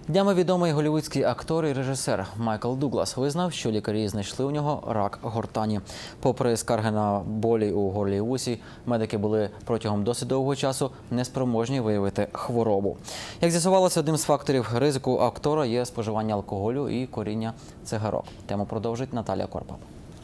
Днями відомий голлівудський актор і режисер Майкл Дуглас визнав, що лікарі знайшли у нього рак гортані. Попри скарги на болі у горлі і вусі, медики були протягом досить довгого часу неспроможні виявити хворобу. Як з'ясувалося, одним з факторів ризику актора є споживання алкоголю і куріння цигарок. Тему продовжить Наталія Корпал.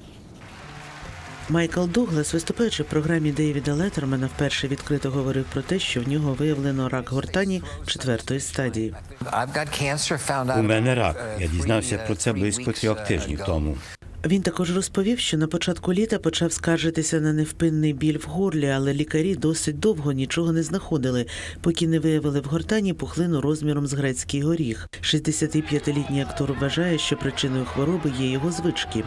Майкл Дуглас, виступаючи в програмі Дейвіда Леттермана, вперше відкрито говорив про те, що в нього виявлено рак гортані 4-ї стадії. У мене рак. Я дізнався про це близько 3 тижнів тому. Він також розповів, що на початку літа почав скаржитися на невпинний біль в горлі, але лікарі досить довго нічого не знаходили, поки не виявили в гортані пухлину розміром з грецький горіх. 65-літній актор вважає, що причиною хвороби є його звички.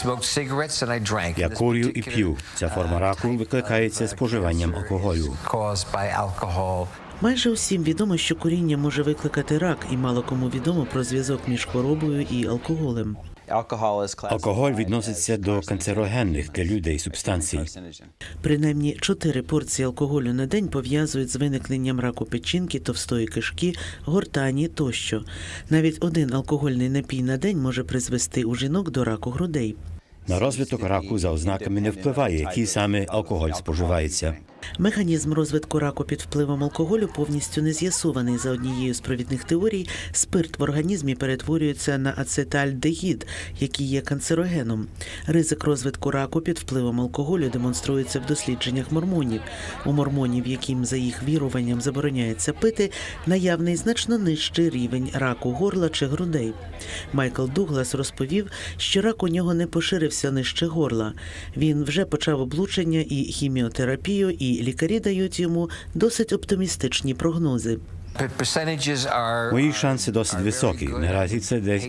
Я курю і п'ю. Ця форма раку викликається споживанням алкоголю. Майже усім відомо, що куріння може викликати рак, і мало кому відомо про зв'язок між хворобою і алкоголем. Алкоголь відноситься до канцерогенних для людей субстанцій. Принаймні 4 порції алкоголю на день пов'язують з виникненням раку печінки, товстої кишки, гортані тощо. Навіть один алкогольний напій на день може призвести у жінок до раку грудей. На розвиток раку за ознаками не впливає, який саме алкоголь споживається. Механізм розвитку раку під впливом алкоголю повністю не з'ясований. За однією з провідних теорій, спирт в організмі перетворюється на ацетальдегід, який є канцерогеном. Ризик розвитку раку під впливом алкоголю демонструється в дослідженнях мормонів. У мормонів, яким за їх віруванням забороняється пити, наявний значно нижчий рівень раку горла чи грудей. Майкл Дуглас розповів, що рак у нього не поширився нижче горла. Він вже почав облучення і хіміотерапію, і лікарі дають йому досить оптимістичні прогнози. Мої шанси досить високі. Наразі це десь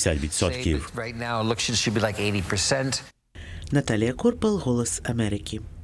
80%. Наталія Корпал, «Голос Америки».